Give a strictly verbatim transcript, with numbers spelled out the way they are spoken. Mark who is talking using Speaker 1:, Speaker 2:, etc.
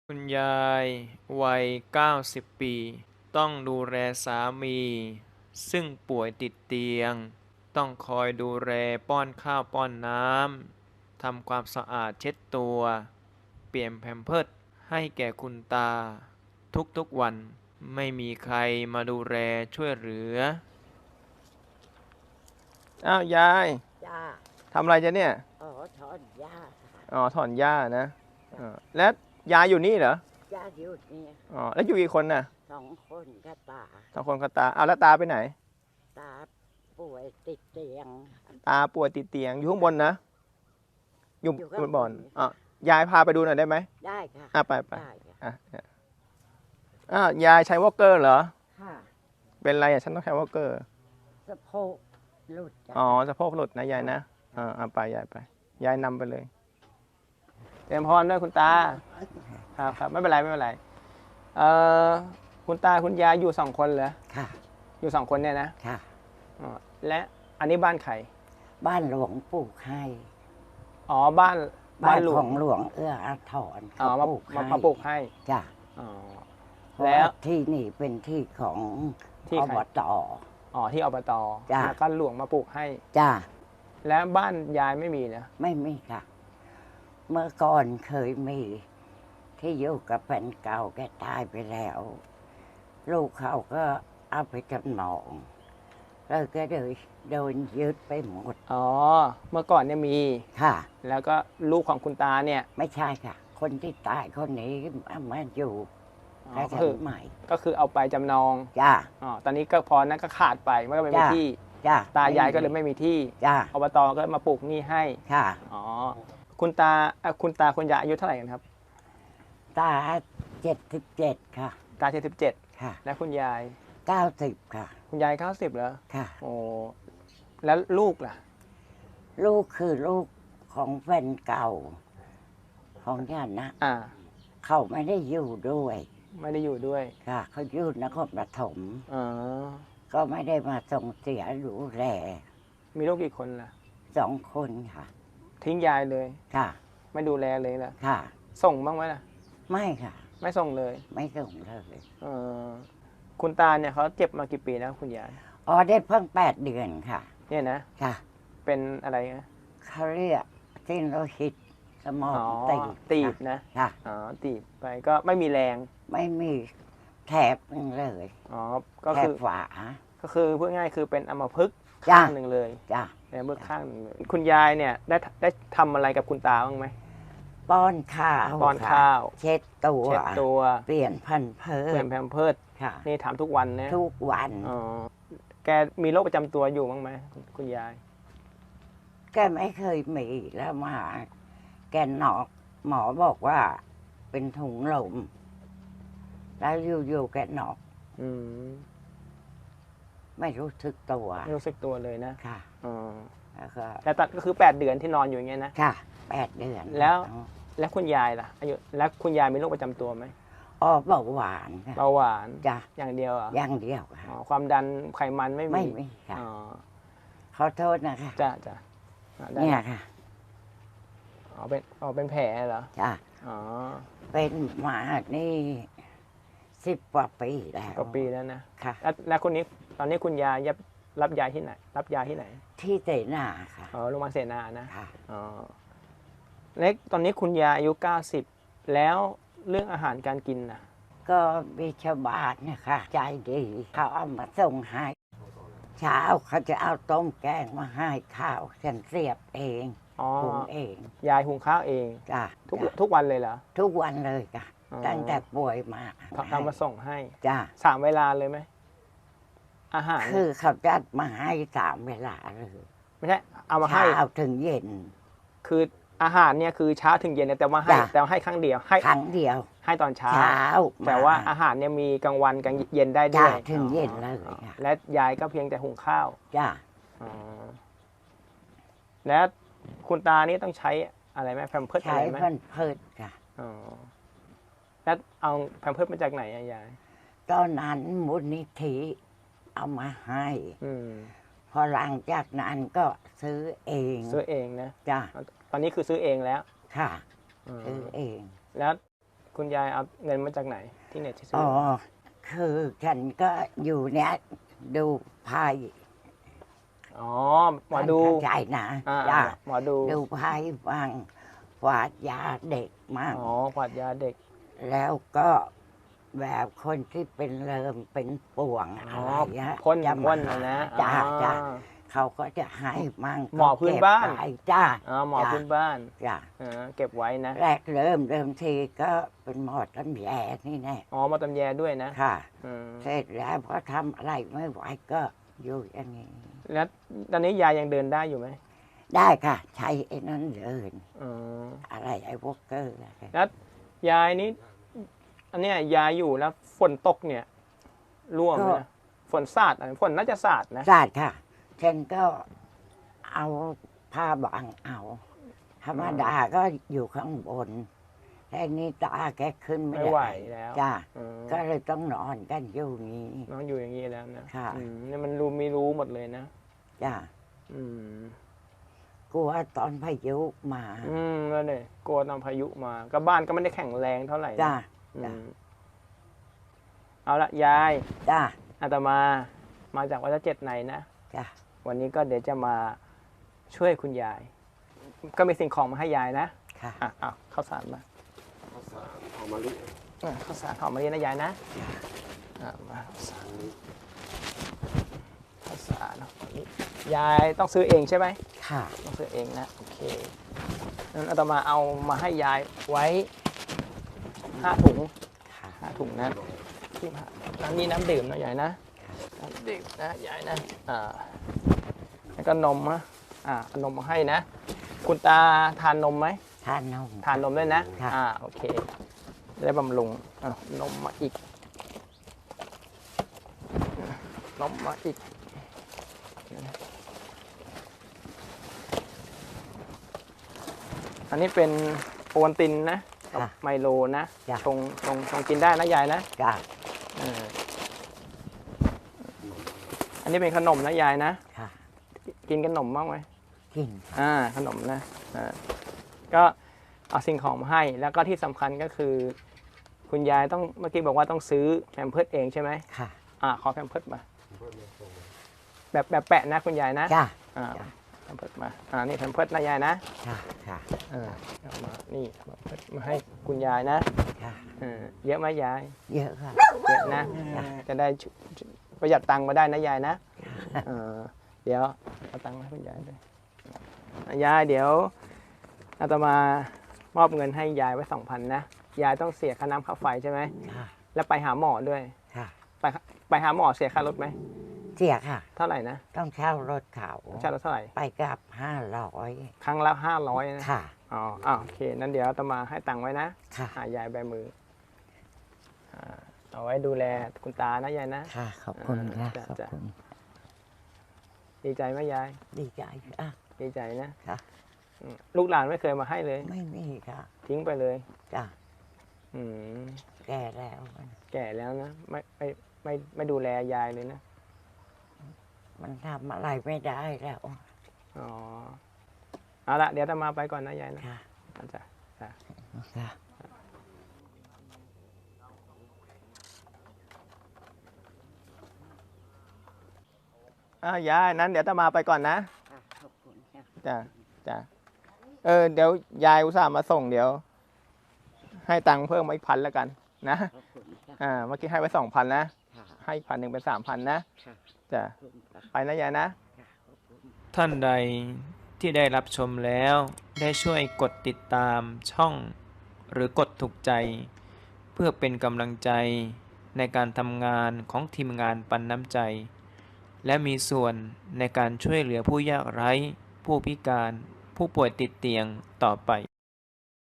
Speaker 1: คุณยายวัยเก้าสิบปีต้องดูแลสามีซึ่งป่วยติดเตียงต้องคอยดูแลป้อนข้าวป้อนน้ำทำความสะอาดเช็ดตัวเปลี่ยนแพมเพิร์สให้แก่คุณตาทุกๆวันไม่มีใครมาดูแลช่วยเหลืออ้าวยาย
Speaker 2: จ้า
Speaker 1: ทำอะไรจ๊ะเนี่ย
Speaker 2: อ๋อถอนหญ้าค่ะ
Speaker 1: อ๋อถอนหญ้านะอ๋อแล้วยายอยู่นี่เหรอ
Speaker 2: หญ้าอยู่นี่
Speaker 1: อ๋อแล้วอยู่กี่คนน่ะ
Speaker 2: สองคนกับตา
Speaker 1: สองคนกับตาเอาแล้วตาไปไหน
Speaker 2: ตาป่วยติดเตียง
Speaker 1: ตาป่วยติดเตียงอยู่ข้างบนนะอยู่
Speaker 2: อยู่
Speaker 1: บ
Speaker 2: ข้าง
Speaker 1: นบ่อน
Speaker 2: บน
Speaker 1: อ่ะยายพาไปดูหน่อยได้ไหม
Speaker 2: ได้ค่ะ
Speaker 1: อ่ะไปไป
Speaker 2: ได้ค่ะ
Speaker 1: อ่ะอ่ะอ้าวยายใช้วอลเกอร์เหรอ
Speaker 2: ค่ะ
Speaker 1: เป็นไรอ่ะฉันต้องใช้วอลเกอร์
Speaker 2: สะโพกหลุดจ้ะ
Speaker 1: อ๋อสะโพกหลุดนะยายนะอ่าเอาไปยายไปยายนำไปเลยเตรียมพรด้วยคุณตาครับครับไม่เป็นไรไม่เป็นไรเอ่อคุณตาคุณยายอยู่สองคนเหรอ
Speaker 2: ค่ะ
Speaker 1: อยู่สองคนเนี่ยนะ
Speaker 2: ค่ะ
Speaker 1: อ๋อและอันนี้บ้านใคร
Speaker 2: บ้านหลวงปลูกให้
Speaker 1: อ๋อบ้าน
Speaker 2: บ้านของหลวงเอื้ออาทร
Speaker 1: อ๋อ
Speaker 2: เขา
Speaker 1: มา
Speaker 2: ปลูกให้
Speaker 1: มาปลูกให้
Speaker 2: จ้ะ
Speaker 1: อ๋อ
Speaker 2: แล้
Speaker 1: แล้ว
Speaker 2: วที่นี่เป็นที่ของ
Speaker 1: ที่
Speaker 2: อ
Speaker 1: ใคร
Speaker 2: บต
Speaker 1: อ๋อที่อบต
Speaker 2: จ้ะ
Speaker 1: แล้วก็หลวงมาปลูกให้
Speaker 2: จ้า
Speaker 1: แล้วบ้านยายไม่มีนะ
Speaker 2: ไม่มีค่ะ เมื่อก่อนเคยมี ที่อยู่กับแฟนเก่าแกตายไปแล้ว ลูกเขาก็เอาไปจำนองแล้วก็เลยโดนยึดไปหมด
Speaker 1: อ๋อเมื่อก่อนเนี่ยมี
Speaker 2: ค่ะ
Speaker 1: แล้วก็ลูกของคุณตาเนี่ย
Speaker 2: ไม่ใช่ค่ะ คนที่ตายคนนี้มาอยู่
Speaker 1: อ๋อ
Speaker 2: แค่
Speaker 1: ก็
Speaker 2: ชั้
Speaker 1: คื
Speaker 2: น
Speaker 1: อ
Speaker 2: ใหม่
Speaker 1: ก็คือเอาไปจำนอง
Speaker 2: จ้า
Speaker 1: อ๋อตอนนี้ก็พอนั้นก็ขาดไปมันก็ไม่มี
Speaker 2: จ้ะ
Speaker 1: ที่
Speaker 2: จ้า
Speaker 1: ตายายก็เลยไม่มีที่
Speaker 2: จ้า
Speaker 1: อบตก็มาปลูกหนี้ให้
Speaker 2: ค่ะ
Speaker 1: อ๋อคุณตาเอ่อคุณตาคุณยายอายุเท่าไหร่กันครับ
Speaker 2: ตาเจ็ดสิบเจ็ดค่ะ
Speaker 1: ตาเจ็ดสิบเจ็ด
Speaker 2: ค่ะ
Speaker 1: และคุณยาย
Speaker 2: เก้าสิบค่ะ
Speaker 1: คุณยายเก้าสิบเหรอ
Speaker 2: ค่ะ
Speaker 1: โอ้แล้วลูกล่ะ
Speaker 2: ลูกคือลูกของแฟนเก่า ของญาตินะ
Speaker 1: อ่า
Speaker 2: เขาไม่ได้อยู่ด้วย
Speaker 1: ไม่ได้อยู่ด้วย
Speaker 2: ค่ะ เขาอยู่นครปฐม
Speaker 1: อ๋อ
Speaker 2: ก็ไม่ได้มาส่งเสียดูแล
Speaker 1: มีลูกกี่คนล่ะ
Speaker 2: สองคนค่ะ
Speaker 1: ทิ้งยายเลย
Speaker 2: ค่ะ
Speaker 1: ไม่ดูแลเลยล่ะ
Speaker 2: ค่ะ
Speaker 1: ส่งบ้างไหมล่ะ
Speaker 2: ไม่ค่ะ
Speaker 1: ไม่ส่งเลย
Speaker 2: ไม่ส่งเลย
Speaker 1: เออคุณตาเนี่ยเขาเจ็บมากี่ปีแล้วคุณยาย
Speaker 2: อ๋อได้เพิ่งแปดเดือนค่ะ
Speaker 1: เนี่ยนะ
Speaker 2: ค่ะ
Speaker 1: เป็นอะไรนะ
Speaker 2: เขาเรียกเส้นโลหิตสมอง
Speaker 1: อ๋อ
Speaker 2: ตีบ
Speaker 1: ตีบ
Speaker 2: ค่ะ
Speaker 1: นะ
Speaker 2: ค่ะ
Speaker 1: อ๋อตีบไปก็ไม่มีแรง
Speaker 2: ไม่มีแถบหนึ่งเลย
Speaker 1: อ๋อก็
Speaker 2: แถ
Speaker 1: คื
Speaker 2: บ
Speaker 1: อ
Speaker 2: ฝา
Speaker 1: ก็คือพูดง่ายคือเป็นอัมพฤกษ์
Speaker 2: จ้ะ
Speaker 1: ข้างหนึ่งเลย
Speaker 2: จ้ะ
Speaker 1: ในมือข้างหนึ่งเลยคุณยายเนี่ยได้ได้ทำอะไรกับคุณตาบ้างไหม
Speaker 2: ป้อนข้าว
Speaker 1: ป้อน
Speaker 2: ค่ะ
Speaker 1: ข้าว
Speaker 2: เช็ดตัว
Speaker 1: เช็ดตัว
Speaker 2: เปลี่ยนพันเพิ
Speaker 1: เปลี่ยนแพมเพิร์ส
Speaker 2: ค่ะ
Speaker 1: นี่ถามทุกวันนะ
Speaker 2: ทุกวัน
Speaker 1: อ๋อแกมีโรคประจำตัวอยู่บ้างไหมคุณยาย
Speaker 2: แกไม่เคยมีแล้วมา แกนอกหมอบอกว่าเป็นถุงลม แล้วอยู่ๆแกนอก
Speaker 1: อืม
Speaker 2: ไม่รู้สึกตัว
Speaker 1: ไม่รู้สึกตัวเลยนะ
Speaker 2: ค่ะ
Speaker 1: อ๋อ
Speaker 2: แล้วก็
Speaker 1: แต่ตอนก็คือแปดเดือนที่นอนอยู่อย่างเงี้ยนะ
Speaker 2: ค่ะแปดเดือน
Speaker 1: แล้ว แล้วคุณยายล่ะอายุแล้วคุณยายมีโรคประจำตัวไหม
Speaker 2: อ๋อเบาหวานค่ะ
Speaker 1: เบาหวาน
Speaker 2: จ้ะ
Speaker 1: อย่างเดียวเหรอ
Speaker 2: อย่างเดียวค่ะ
Speaker 1: อ๋อความดันไขมันไม่มี
Speaker 2: ไม่มีค่ะ
Speaker 1: อ๋อ
Speaker 2: ขอโทษนะคะ
Speaker 1: จ้ะจ้ะอ่ะได้
Speaker 2: เนี่ยค่ะ
Speaker 1: อ๋อเป็นอ๋อเป็นแผลเหรอ
Speaker 2: จ้ะ
Speaker 1: อ๋อ
Speaker 2: เป็นมานี่สิบกว่าปีแล้ว
Speaker 1: กว่าปีแล้วนะ
Speaker 2: ค่ะ
Speaker 1: แล้วแล้วคนนี้ตอนนี้คุณยายรับรับยาที่ไหน รับยาที่ไหน
Speaker 2: ที่เสนาค่ะ
Speaker 1: อ๋อโรงพยาบาลเสนานะ
Speaker 2: ค่ะ
Speaker 1: อ๋อเล็กตอนนี้คุณยายอายุเก้าสิบแล้วเรื่องอาหารการกินนะ
Speaker 2: ก็มีชาวบ้านเนี่ยค่ะ ใจดีเขาเอามาส่งให้เช้าเขาจะเอาต้มแกงมาให้ข้าวฉันเสียบเอง
Speaker 1: อ๋อ
Speaker 2: หุงเอง
Speaker 1: ยายหุงข้าวเอง
Speaker 2: จ้ะ
Speaker 1: ทุก
Speaker 2: จ้ะ
Speaker 1: ทุกวันเลยเหรอ
Speaker 2: ทุกวันเลยค่ะ
Speaker 1: อ๋อ
Speaker 2: ตั้งแต่ป่วยมา
Speaker 1: ทำทำมาส่งให้
Speaker 2: จ้ะ
Speaker 1: สามเวลาเลยไหมอาหาร
Speaker 2: คื
Speaker 1: เนี่ย
Speaker 2: อเขาจัดมาให้สามเวลาเลย
Speaker 1: ไม่ใช่เอามาให้
Speaker 2: เช้าถึงเย็น
Speaker 1: คืออาหารเนี่ยคือเช้าถึงเย็นเนี่ยแต่ว่าให้
Speaker 2: จ้ะ
Speaker 1: แต่ว่าให้ครั้งเดียวให้
Speaker 2: ครั้งเดียว
Speaker 1: ให้ตอนเช้า
Speaker 2: เช้า
Speaker 1: แต่ว่า
Speaker 2: มา
Speaker 1: อาหารเนี่ยมีกลางวันกลางเย็นได้ด้
Speaker 2: จ้ะ
Speaker 1: วย
Speaker 2: ถึงเย็น
Speaker 1: อ๋อ
Speaker 2: เลย
Speaker 1: อ๋อ
Speaker 2: ค่ะ
Speaker 1: และยายก็เพียงแต่หุงข้าว
Speaker 2: จ้ะ
Speaker 1: อ๋อแล้วคุณตานี่ต้องใช้อะไรไหมแพมเพิร์สอะ
Speaker 2: ใช้
Speaker 1: ไรไหม
Speaker 2: เพิ่นเพิดค่ะ
Speaker 1: อ๋อแล้วเอาแพมเพิร์สมาจากไหนอะยาย
Speaker 2: ตอนนั้นมูลนิธิเอามาให้
Speaker 1: อืม
Speaker 2: พอหลังจากนั้นก็ซื้อเอง
Speaker 1: ซื้อเองนะ
Speaker 2: จ้ะ
Speaker 1: ตอนนี้คือซื้อเองแล้ว
Speaker 2: ค่ะ
Speaker 1: อืม
Speaker 2: ซื้อเอง
Speaker 1: แล้ว
Speaker 3: คุณยายเอาเงินมาจากไหนที่เน็ตที่ซื้
Speaker 2: อ๋
Speaker 3: อ
Speaker 2: อคือฉันก็อยู่เนี้ยดูไพ่
Speaker 3: อ๋อหมอดู
Speaker 2: เข้าใจนะ
Speaker 3: อ่า
Speaker 2: จ้ะ
Speaker 3: หมอดู
Speaker 2: ดูไพ่บ้างฝาดยาเด็กมั่ง
Speaker 3: อ๋อขวดยาเด็ก
Speaker 2: แล้วก็แบบคนที่เป็นเริมเป็นป่วง
Speaker 3: อ๋
Speaker 2: อะ
Speaker 3: อ
Speaker 2: ไรเงี้ย
Speaker 3: พ่น
Speaker 2: จะ
Speaker 3: พ่
Speaker 2: มาน
Speaker 3: นะนะ
Speaker 2: จ้า
Speaker 3: อ๋อ
Speaker 2: จ้าเขาก็จะให้มั่ง
Speaker 3: หมอพื้นบ้าน
Speaker 2: ก็เก็ไว้จ้า
Speaker 3: อ๋อหมอ
Speaker 2: จ้ะ
Speaker 3: พื้นบ้าน
Speaker 2: จ้า
Speaker 3: อ่าเก็บไว้นะ
Speaker 2: แรกเริ่มเริ่มทีก็เป็นหมอตำแยนี่แน่
Speaker 3: อ๋อหมาตำแยด้วยนะ
Speaker 2: ค่ะ
Speaker 3: อืม
Speaker 2: เสร็จแล้วพอทำอะไรไม่ไหวก็อยู่อย่างนี้
Speaker 3: แล้วตอนนี้ยายยังเดินได้อยู่ไหม
Speaker 2: ได้ค่ะ ใช้ไอ้นั้นเดิน
Speaker 3: อ๋อ
Speaker 2: อะไรไอ้วอกเกอร์อะไร
Speaker 3: แล้วยายนี้อันเนี้ยยายอยู่แล้วฝนตกเนี่ยร่วงไหมนะฝนสาดอะไรฝนน่าจะสาดนะ
Speaker 2: ศาสตร์ค่ะฉันก็เอาผ้าบางเอา ธรรมดาก็อยู่ข้างบนแต่นี่ตาแกขึ้นไม่
Speaker 3: ไม่ไหว
Speaker 2: ได้
Speaker 3: แล้ว
Speaker 2: จ้า
Speaker 3: อืม
Speaker 2: ก็เลยต้องนอนกันอยู่นี้
Speaker 3: น้องอยู่อย่างนี้แล้วนะ
Speaker 2: ค่ะ
Speaker 3: อืมเนี่ยมันรู้ไม่รู้หมดเลยนะ
Speaker 2: จ้า
Speaker 3: อืม
Speaker 2: กลัวตอนพายุมา
Speaker 3: อืมแล้วเนี่ยกลัวตอนพายุมาก็บ้านก็ไม่ได้แข็งแรงเท่าไหร่นะ
Speaker 2: จ้า
Speaker 3: อื
Speaker 2: จ้ะ
Speaker 3: มเอาละยาย
Speaker 2: จ้า
Speaker 3: อาตมา มาจากวัดเจ็ดในนะ
Speaker 2: จ้า
Speaker 3: วันนี้ก็เดี๋ยวจะมาช่วยคุณยาย ก็มีสิ่งของมาให้ยายนะ
Speaker 2: ค่ะ
Speaker 3: อ่ะเอาข้าวสารมา
Speaker 4: ข้าวสารหอมมะลิ
Speaker 3: อ่ะข้าวสารหอมมะลินะยายนะอ่ะมาข้าวสารข้าวสารหอมมะลิยายต้องซื้อเองใช่ไหม
Speaker 2: ค่ะ
Speaker 3: ต้องซื้อเองนะโอเคนั้นอาตมาเอามาให้ยายไว้ห้าถุง
Speaker 2: ค่ะ
Speaker 3: ห้าถุงนะที่ผ่านน้ำนี้น้ำดื่มนะยายนะน้ำดื่มนะยายนะอ่าแล้วก็นมนะอ่าเอานมมาให้นะ คุณตาทานนมไหม
Speaker 2: ทานนม
Speaker 3: ทานนมด้วยนะ
Speaker 2: ค่ะ
Speaker 3: อ่าโอเคจะได้บำรุงอ่ะนมมาอีกนมมาอีก อันนี้เป็นโอวัลตินนะกับ
Speaker 2: ค่ะ
Speaker 3: ไมโลนะ
Speaker 2: จ้ะ
Speaker 3: ชงชงชงกินได้นะยายนะ
Speaker 2: จ้า
Speaker 3: เอออันนี้เป็นขนมนะยายนะ
Speaker 2: ค่ะ
Speaker 3: กินขนมบ้างไหม
Speaker 2: กิน
Speaker 3: อ่าขนมนะอ่าก็เอาสิ่งของมาให้ แล้วก็ที่สำคัญก็คือ คุณยายต้องเมื่อกี้บอกว่าต้องซื้อแพมเพิร์สเองใช่ไหม
Speaker 2: ค่ะ
Speaker 3: อ่าขอแพมเพิร์สมาแบบแบบแปะนะคุณยายนะ
Speaker 2: จ้า
Speaker 3: อ่า
Speaker 2: จ้ะ
Speaker 3: แพมเพิร์สมาอ่านี่แพมเพิร์สนะยายนะ
Speaker 2: ค่ะค่ะ
Speaker 3: เออเอามานี่แพมเพิร์สมาให้คุณยายนะ
Speaker 2: ค่ะ
Speaker 3: เออเยอะไหมยาย
Speaker 2: เยอะค่ะ
Speaker 3: เยอะนะจะได้ชุประหยัดตังค์มาได้นะยายนะเออเดี๋ยวเอาตังค์มาให้คุณยายด้วยยายเดี๋ยวอาตมามอบเงินให้ยายไว้สองพันนะยายต้องเสียค่าน้ำค่าไฟใช่ไหม
Speaker 2: ค่ะ
Speaker 3: แล้วไปหาหมอด้วย
Speaker 2: ค่ะ
Speaker 3: ไปไปหาหมอเสียค่ารถไหม
Speaker 2: เสียค่ะ
Speaker 3: เท่าไหร่นะ
Speaker 2: ต้องเช่ารถเขา
Speaker 3: ใช่ารถเท่าไหร่
Speaker 2: ไปกลับห้าร้อย
Speaker 3: ครั้งละห้าร้อยนะ
Speaker 2: ค่ะ
Speaker 3: อ๋ออ้าวโอเคนั้นเดี๋ยวอาตมาให้ตังค์ไว้นะ
Speaker 2: ค่ะ
Speaker 3: หายายใบมืออ่าเอาไว้ดูแลคุณตานะยายนะ
Speaker 2: ค่ะ ขอบคุณค่ะ
Speaker 3: จ้ะ
Speaker 2: ขอบ
Speaker 3: จ้ะ
Speaker 2: คุณ
Speaker 3: ดีใจไหมยาย
Speaker 2: ดีใจอ่ะ
Speaker 3: ดีใจนะ
Speaker 2: ค่ะ
Speaker 3: อืมลูกหลานไม่เคยมาให้เลย
Speaker 2: ไม่มีค่ะ
Speaker 3: ทิ้งไปเลย
Speaker 2: จ้ะ
Speaker 3: อืม
Speaker 2: แก่แล้ว
Speaker 3: แก่แล้วนะไม่ไม่ไม่ไม่ดูแลยายเลยนะ
Speaker 2: มันทำอะไรไม่ได้แล้ว
Speaker 3: อ๋อเอาละเดี๋ยวอาตมาไปก่อนนะยายนะ
Speaker 2: ค่ะ
Speaker 3: อาจารย์
Speaker 2: ค่ะ
Speaker 3: อ้าวยายนั้นเดี๋ยวอาตมาไปก่อนนะ
Speaker 2: ขอบคุณค่ะ
Speaker 3: จ้ะจ้ะเออเดี๋ยวยายอุตส่าห์มาส่งเดี๋ยว ให้ตังค์เพิ่มมาอีกพันแล้วกันนะ
Speaker 2: ขอบคุณค่ะ
Speaker 3: อ่าเมื่อกี้ให้ไว้สองพันนะ
Speaker 2: ค่ะ
Speaker 3: ให้อีกพันหนึ่งเป็นสามพันนะ
Speaker 2: ค่ะ
Speaker 3: จ้ะ
Speaker 2: ขอบคุณค่ะ
Speaker 3: ไปนะยายนะ
Speaker 2: ค่ะขอบคุณ
Speaker 1: ท่านใดที่ได้รับชมแล้วได้ช่วยกดติดตามช่อง หรือกดถูกใจ เพื่อเป็นกำลังใจในการทำงานของทีมงานปันน้ำใจ และมีส่วนในการช่วยเหลือผู้ยากไร้ ผู้พิการ ผู้ป่วยติดเตียงต่อไป